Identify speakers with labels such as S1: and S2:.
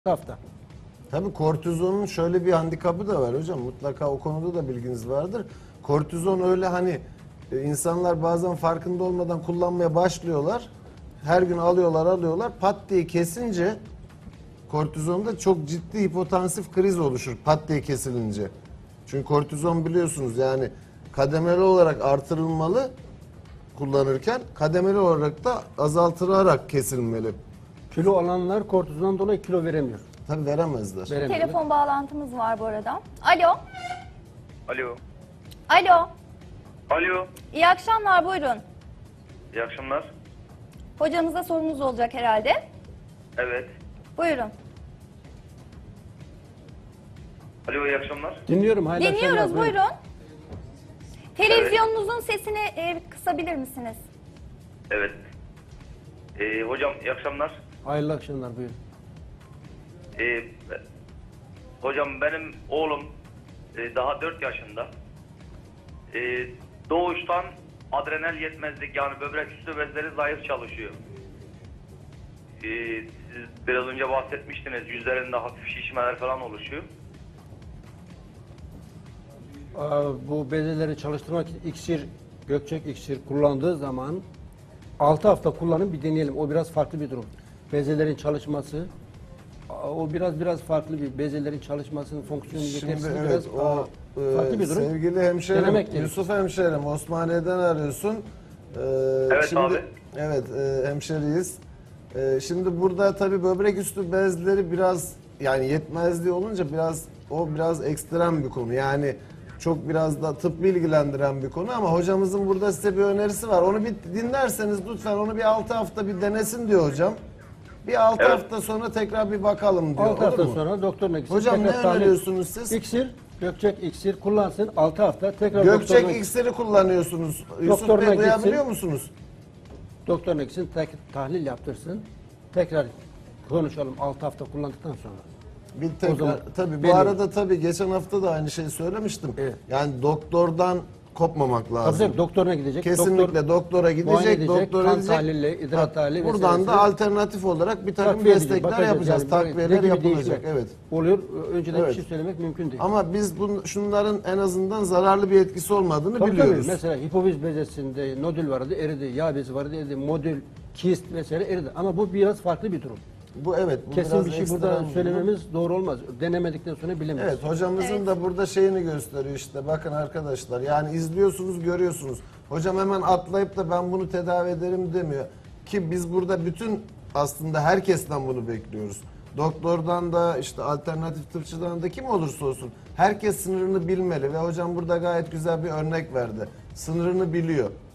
S1: hafta.
S2: Tabii kortizonun şöyle bir handikapı da var hocam. Mutlaka o konuda da bilginiz vardır. Kortizon öyle hani insanlar bazen farkında olmadan kullanmaya başlıyorlar. Her gün alıyorlar. Pat diye kesince kortizonda çok ciddi hipotansif kriz oluşur pat diye kesilince. Çünkü kortizon biliyorsunuz yani kademeli olarak artırılmalı kullanırken, kademeli olarak da azaltılarak kesilmeli.
S1: Kilo alanlar kortizondan dolayı kilo veremiyor.
S2: Tabii veremezler.
S3: Telefon bağlantımız var bu arada. Alo.
S4: Alo.
S3: Alo.
S4: Alo.
S3: İyi akşamlar, buyurun.
S4: İyi akşamlar.
S3: Hocamıza sorunuz olacak herhalde.
S4: Evet.
S3: Buyurun.
S4: Alo, iyi akşamlar.
S1: Dinliyorum. Hayırlı
S3: Dinliyoruz,
S1: akşamlar,
S3: buyurun. Televizyonunuzun sesini kısabilir misiniz?
S4: Evet. Hocam iyi akşamlar.
S1: Hayırlı akşamlar, buyurun.
S4: Ee, Hocam benim oğlum daha 4 yaşında. Doğuştan adrenal yetmezlik, yani böbrek üstü bezleri zayıf çalışıyor. Siz biraz önce bahsetmiştiniz, yüzlerinde hafif şişmeler falan oluşuyor.
S1: Bu bezeleri çalıştırmak için iksir, gökçek iksir kullandığı zaman 6 hafta kullanın, bir deneyelim. O biraz farklı bir durum. Bezelerin çalışması, o biraz farklı bir bezelerin çalışmasının fonksiyonu
S2: Şimdi
S1: yetersizliği
S2: evet
S1: biraz
S2: o
S1: farklı bir durum.
S2: sevgili hemşerim
S1: Denemek gerekiyor.
S2: Yusuf hemşerim Osmaniye'den arıyorsun.
S4: Evet
S2: şimdi,
S4: abi.
S2: Evet hemşeriyiz. Şimdi burada tabii böbrek üstü bezleri biraz yani yetmezliği olunca biraz ekstrem bir konu. Yani çok biraz da tıp ilgilendiren bir konu ama hocamızın burada size bir önerisi var. Onu bir dinlerseniz lütfen onu bir 6 hafta bir denesin diyor hocam. Bir 6
S4: Evet.
S2: hafta sonra tekrar bir bakalım diyor.
S1: 6 hafta
S2: Olur mu?
S1: sonra doktoruna gitsin.
S2: Hocam ne
S1: tekrar tahlil-
S2: öneriyorsunuz siz?
S1: İksir, gökçek iksir kullansın 6 hafta. Tekrar
S2: Gökçek
S1: doktoruna-
S2: iksiri kullanıyorsunuz. Yusuf
S1: Doktoruna
S2: Bey duyabiliyor
S1: gitsin.
S2: musunuz?
S1: Doktoruna gitsin, tahlil yaptırsın. Tekrar konuşalım 6 hafta kullandıktan sonra.
S2: Bir
S1: O zaman
S2: tekrar tabii bu
S1: benim-
S2: arada tabii geçen hafta da aynı şeyi söylemiştim.
S1: Evet.
S2: Yani doktordan kopmamak lazım.
S1: Tabii doktoruna gidecek.
S2: Kesinlikle doktora
S1: muayene
S2: gidecek,
S1: edecek,
S2: doktora
S1: kan
S2: gidecek.
S1: tahlili, idrar tahlili
S2: Buradan
S1: vesairesi.
S2: da alternatif olarak bir takım
S1: Takviye edecek,
S2: destekler
S1: bakacağız.
S2: yapacağız.
S1: Yani
S2: Takviyeler
S1: ne gibi
S2: yapılacak.
S1: değişiklik
S2: Evet.
S1: oluyor. Önceden
S2: Evet.
S1: bir şey söylemek mümkün değil.
S2: Ama biz şunların en azından zararlı bir etkisi olmadığını
S1: Tabii,
S2: biliyoruz.
S1: mesela hipofiz bezesinde nodül vardı, eridi. Yağ bezi vardı, eridi. Modül, kist vesaire eridi. Ama bu biraz farklı bir durum.
S2: Bu evet. Bu
S1: Kesin
S2: biraz
S1: bir şey
S2: ekstrem
S1: burada
S2: bir durum.
S1: söylememiz doğru olmaz. Denemedikten sonra bilemeyiz.
S2: Evet hocamızın
S3: Evet.
S2: da burada şeyini gösteriyor işte bakın arkadaşlar yani izliyorsunuz görüyorsunuz. Hocam hemen atlayıp da ben bunu tedavi ederim demiyor. Ki biz burada bütün aslında herkesten bunu bekliyoruz. Doktordan da işte alternatif tıpçıdan da kim olursa olsun herkes sınırını bilmeli ve hocam burada gayet güzel bir örnek verdi. Sınırını biliyor.